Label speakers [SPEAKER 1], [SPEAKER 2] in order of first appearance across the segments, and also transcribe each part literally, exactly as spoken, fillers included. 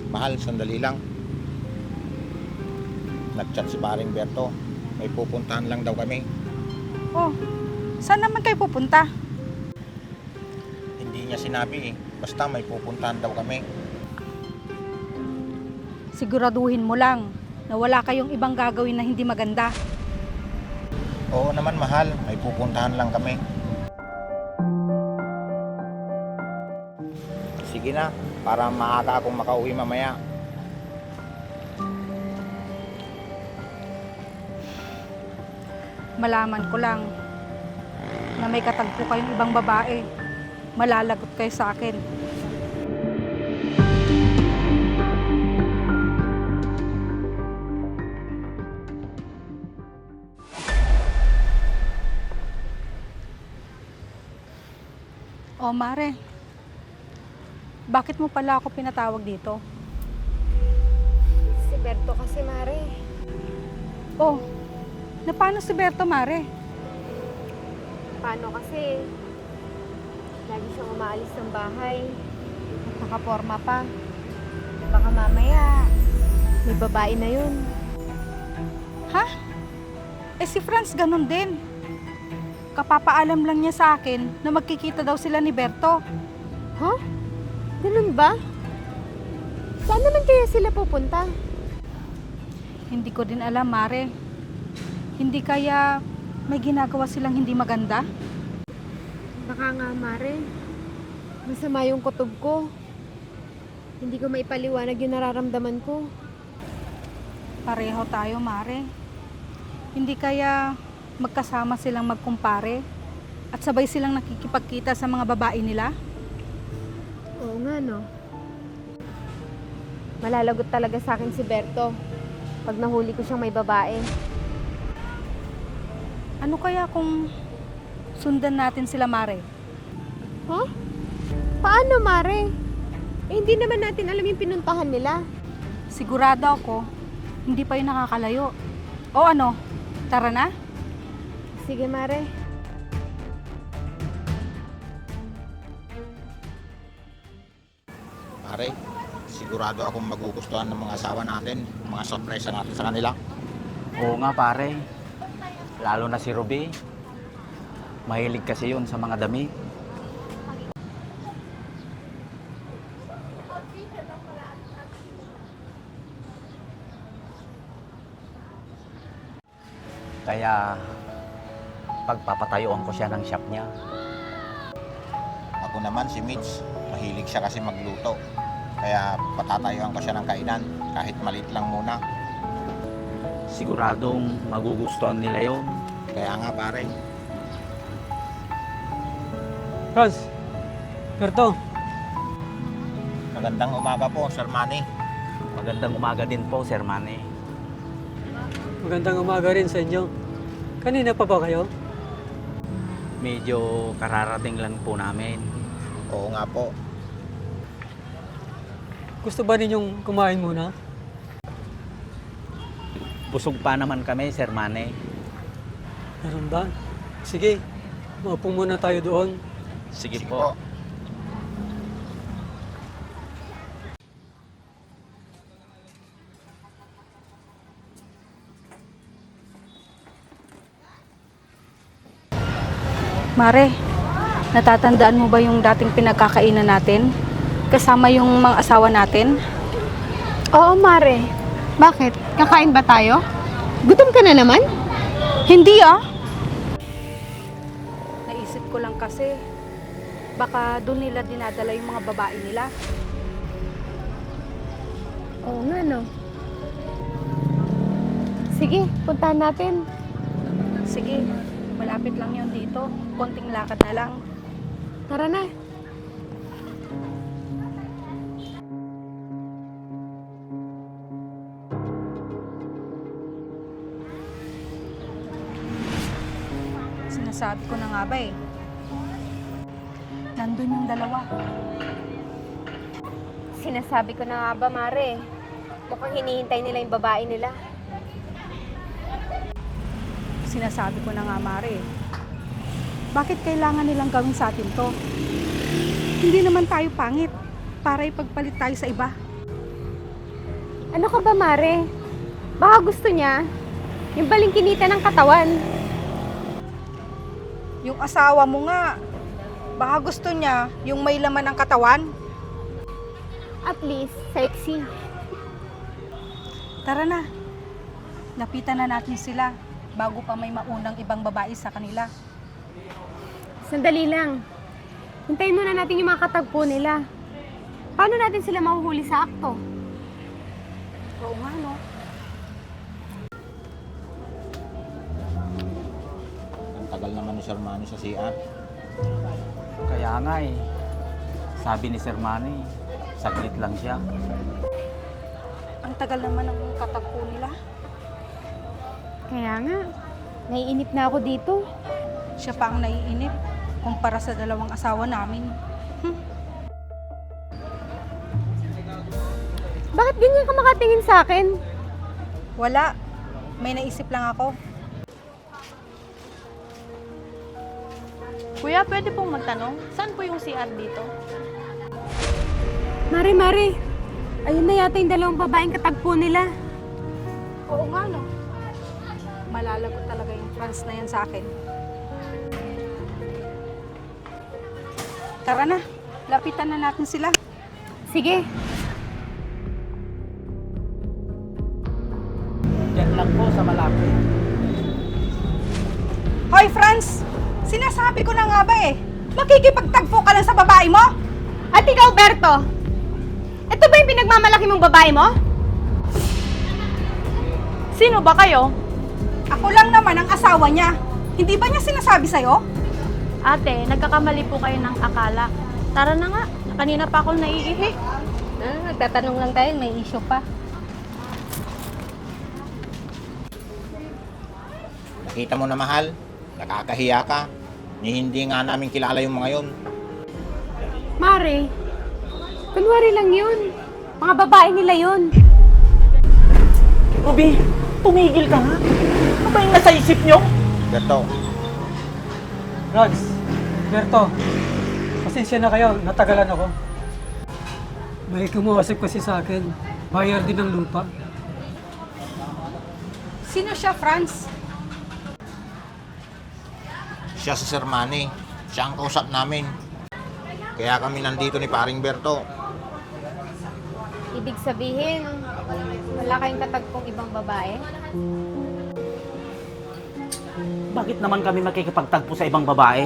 [SPEAKER 1] Mahal, sandali lang. Nag-chat si paring Berto. May pupuntahan lang daw kami.
[SPEAKER 2] Oh, saan naman kayo pupunta?
[SPEAKER 1] Hindi niya sinabi eh. Basta may pupuntahan daw kami.
[SPEAKER 2] Siguraduhin mo lang na wala kayong ibang gagawin na hindi maganda.
[SPEAKER 1] Oo naman mahal, may pupuntahan lang kami. Sige na, para maaga akong makauwi mamaya.
[SPEAKER 2] Malaman ko lang na may katagpo kayong ibang babae. Malalagot kayo sa akin. Oh, Mare. Bakit mo pala ako pinatawag dito?
[SPEAKER 3] Si Berto kasi, Mare.
[SPEAKER 2] Oh, na paano si Berto, Mare?
[SPEAKER 3] Paano kasi? Lagi siyang umaalis ng bahay. At nakaporma pa. Baka mamaya, may babae na yun.
[SPEAKER 2] Ha? Eh si Franz ganun din. Kapapaalam lang niya sa akin na magkikita daw sila ni Berto.
[SPEAKER 3] Huh? Ganun ba? Saan naman kaya sila pupunta?
[SPEAKER 2] Hindi ko din alam, Mare. Hindi kaya may ginagawa silang hindi maganda?
[SPEAKER 3] Baka nga, Mare. Masama yung kutob ko. Hindi ko maipaliwanag yung nararamdaman ko.
[SPEAKER 2] Pareho tayo, Mare. Hindi kaya magkasama silang magkumpare at sabay silang nakikipagkita sa mga babae nila?
[SPEAKER 3] Oo nga, no? Malalagot talaga sa akin si Berto pag nahuli ko siyang may babae.
[SPEAKER 2] Ano kaya kung sundan natin sila, Mare?
[SPEAKER 3] Huh? Paano, Mare? Eh, hindi naman natin alam yung pinuntahan nila.
[SPEAKER 2] Sigurado ako, hindi pa yun nakakalayo. O ano, tara na?
[SPEAKER 3] Sige, Mare.
[SPEAKER 1] Pare, sigurado akong magugustuhan ng mga asawa natin. Mga sorpresa natin sa kanila.
[SPEAKER 4] Oo nga pare, lalo na si Ruby. Mahilig kasi yun sa mga damit. Kaya pagpapatayuan ko siya ng shop niya.
[SPEAKER 1] Ako naman si Mitch, mahilig siya kasi magluto. Kaya patatayuan ko siya ng kainan, kahit maliit lang muna.
[SPEAKER 4] Siguradong magugustuhan nila yun.
[SPEAKER 1] Kaya nga pare,
[SPEAKER 5] Franz, Berto,
[SPEAKER 1] magandang umaga po, Sir Manny.
[SPEAKER 4] Magandang umaga din po, Sir Manny.
[SPEAKER 5] magandang umaga rin sa inyo. Kanina pa ba kayo?
[SPEAKER 4] Medyo kararating lang po namin.
[SPEAKER 1] Oo nga po.
[SPEAKER 5] Gusto ba ninyong kumain muna?
[SPEAKER 4] Busog pa naman kami, Sir Manny.
[SPEAKER 5] Meron ba? Sige, maupo muna tayo doon.
[SPEAKER 4] Sige,
[SPEAKER 1] Sige
[SPEAKER 4] po.
[SPEAKER 1] po.
[SPEAKER 2] Mare, natatandaan mo ba yung dating pinagkakainan natin? Kasama yung mga asawa natin?
[SPEAKER 3] Oo, Mare. Bakit? Kakain ba tayo? Gutom ka na naman?
[SPEAKER 2] Hindi ah! Naisip ko lang kasi, baka doon nila dinadala yung mga babae nila.
[SPEAKER 3] Oo nga, no? Sige, puntahan natin.
[SPEAKER 2] Sige, malapit lang yun dito. Konting lakad na lang.
[SPEAKER 3] Tara na.
[SPEAKER 2] Sinasabi ko na nga ba eh. Nandun yung dalawa.
[SPEAKER 3] Sinasabi ko na nga ba, Mare? Mukhang hinihintay nila yung babae nila.
[SPEAKER 2] Sinasabi ko na nga, Mare. Bakit kailangan nilang gawin sa atin to? Hindi naman tayo pangit para ipagpalit tayo sa iba.
[SPEAKER 3] Ano ka ba, Mare? Baka gusto niya yung balingkinita ng katawan.
[SPEAKER 2] Yung asawa mo nga, baka gusto niya yung may laman ng katawan.
[SPEAKER 3] At least, sexy.
[SPEAKER 2] Tara na, lapitan na natin sila bago pa may maunang ibang babae sa kanila.
[SPEAKER 3] Sandali lang. Hintayin muna natin yung mga katagpo nila. Paano natin sila mahuhuli sa akto?
[SPEAKER 2] Oo nga, no?
[SPEAKER 1] Ang tagal naman ni Sir Manny sa C R.
[SPEAKER 4] Kaya nga eh. Sabi ni Sir Manny, saglit lang siya.
[SPEAKER 2] Ang tagal naman ng katagpo nila.
[SPEAKER 3] Kaya nga, naiinip na ako dito.
[SPEAKER 2] Siya pa ang naiinip kumpara sa dalawang asawa namin.
[SPEAKER 3] Bakit ganyan ka makatingin sa akin?
[SPEAKER 2] Wala. May naisip lang ako.
[SPEAKER 6] Kuya, pwede pong magtanong, saan po yung C R dito?
[SPEAKER 3] Mare, Mare. Ayun na yata yung dalawang babaeng katagpo nila.
[SPEAKER 2] Oo nga, no? Malalagot talaga yung trans na yan sa akin. Tara na, lapitan na natin sila.
[SPEAKER 3] Sige.
[SPEAKER 4] Diyan lang po sa malapit.
[SPEAKER 2] Hoy, Franz! Sinasabi ko na nga ba eh, makikipagtagpo ka lang sa babae mo?
[SPEAKER 3] At ikaw, Berto? Ito ba yung pinagmamalaki mong babae mo?
[SPEAKER 6] Sino ba kayo?
[SPEAKER 2] Ako lang naman ang asawa niya. Hindi ba niya sinasabi sa'yo?
[SPEAKER 6] Ate, nagkakamali po kayo ng akala. Tara na nga, kanina pa ako naiihi.
[SPEAKER 2] Ah, nagtatanong lang tayo, may issue pa.
[SPEAKER 1] Nakita mo na, mahal, nakakahiya ka. Ni hindi nga namin kilala yung mga yun.
[SPEAKER 3] Mare, kunwari lang yun. Mga babae nila yun.
[SPEAKER 4] Ruby, tumigil ka nga. Ano ba yung nasa isip nyo?
[SPEAKER 1] Berto,
[SPEAKER 5] Rods, Berto, pasensya na kayo, natagalan ako. May kumuusap kasi sa akin, bayar din ng lupa.
[SPEAKER 2] Sino siya, Franz?
[SPEAKER 1] siya si Sir Manny. Siya ang kausap namin. Kaya kami nandito ni Paring Berto.
[SPEAKER 3] Ibig sabihin, wala kayong katagpong ibang babae?
[SPEAKER 4] Bakit naman kami makikipagtagpo sa ibang babae?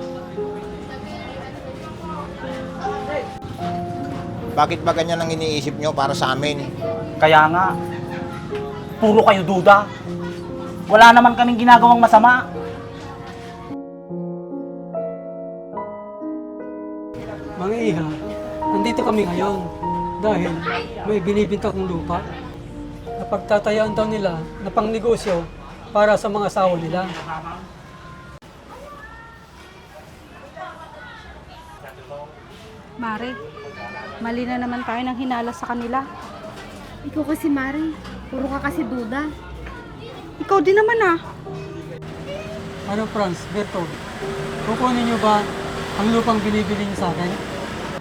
[SPEAKER 1] Bakit ba ganyan ang iniisip nyo para sa amin?
[SPEAKER 4] Kaya nga, puro kayo duda. Wala naman kaming ginagawang masama.
[SPEAKER 5] Mga iha, nandito kami ngayon dahil may binibinta kong lupa na pagtatayaan daw nila na pangnegosyo para sa mga asawa nila.
[SPEAKER 2] Mare, mali na naman tayo ng hinala sa kanila.
[SPEAKER 3] Ikaw kasi, Mare. Puro ka kasi duda.
[SPEAKER 2] Ikaw din naman ah.
[SPEAKER 5] Ano, Franz, Berto, kukunin niyo ba ang lupang binibili niyo sa akin?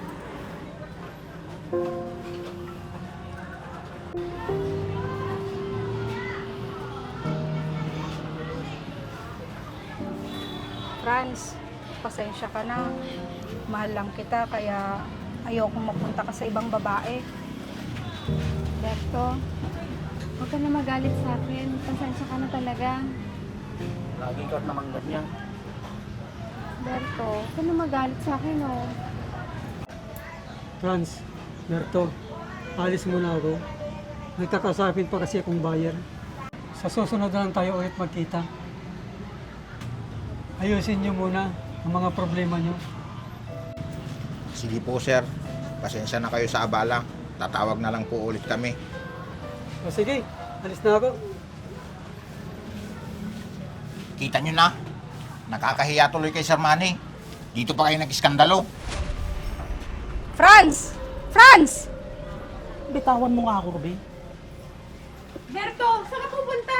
[SPEAKER 2] Franz, pasensya ka na. Mahal lang kita kaya ayokong mapunta ka sa ibang babae.
[SPEAKER 3] Berto, huwag ka na magalit sa akin. Pasensya ka na talaga.
[SPEAKER 4] Lagi ka naman ganyan.
[SPEAKER 3] Berto, huwag ka na magalit sa akin, oh.
[SPEAKER 5] Franz, Berto, alis muna ako. Nagkakasapin pa kasi akong buyer. Sa susunod na lang tayo ulit magkita. Ayusin niyo muna ang mga problema niyo.
[SPEAKER 1] Sige po, sir. Pasensya na kayo sa abala. Tatawag na lang po ulit kami.
[SPEAKER 5] O sige, alis na ako.
[SPEAKER 1] Kita nyo na. Nakakahiya tuloy kay Sir Manny. Dito pa kayo nag-iskandalo.
[SPEAKER 2] Franz! Franz!
[SPEAKER 4] Bitawan mo nga ako, Ruby.
[SPEAKER 3] Berto, saan ka pupunta?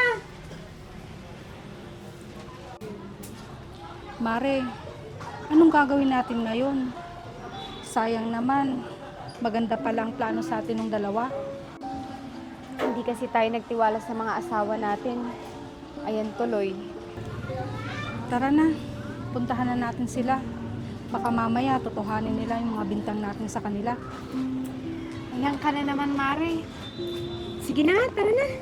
[SPEAKER 2] Mare, anong gagawin natin ngayon? Sayang naman, maganda pa lang plano sa atin ng dalawa.
[SPEAKER 3] Hindi kasi tayo nagtiwala sa mga asawa natin. Ayan tuloy.
[SPEAKER 2] Tara na, puntahan na natin sila. Baka mamaya totohanin nila yung mga bintang natin sa kanila.
[SPEAKER 3] Ayan ka na naman, Mare. Sige na, tara na.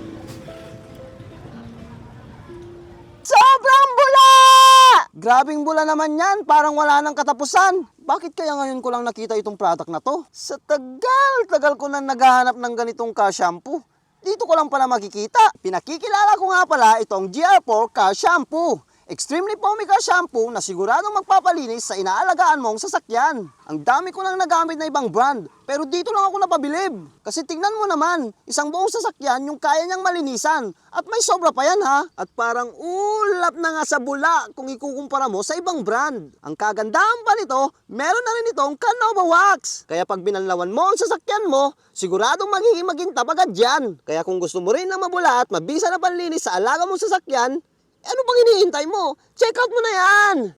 [SPEAKER 7] Sobrang bula! Grabing bula naman yan, parang wala nang katapusan. Bakit kaya ngayon ko lang nakita itong product na to? Sa tagal-tagal ko na naghahanap ng ganitong car shampoo. Dito ko lang pala makikita. Pinakikilala ko nga pala itong G R four Car Shampoo. Extremely foamy car shampoo na siguradong magpapalinis sa inaalagaan mong sasakyan. Ang dami ko nang nagamit na ibang brand, pero dito lang ako napabilib. Kasi tignan mo naman, isang buong sasakyan yung kaya niyang malinisan. At may sobra pa yan ha. At parang ulap na nga sa bula kung ikukumpara mo sa ibang brand. Ang kagandahan pa nito, meron na rin itong Canova Wax. Kaya pag binanlawan mo ang sasakyan mo, siguradong magiging magintab agad yan. Kaya kung gusto mo rin ng mabula at mabisa na panlinis sa alaga mong sasakyan, ano bang hinihintay mo? Check out mo na yan!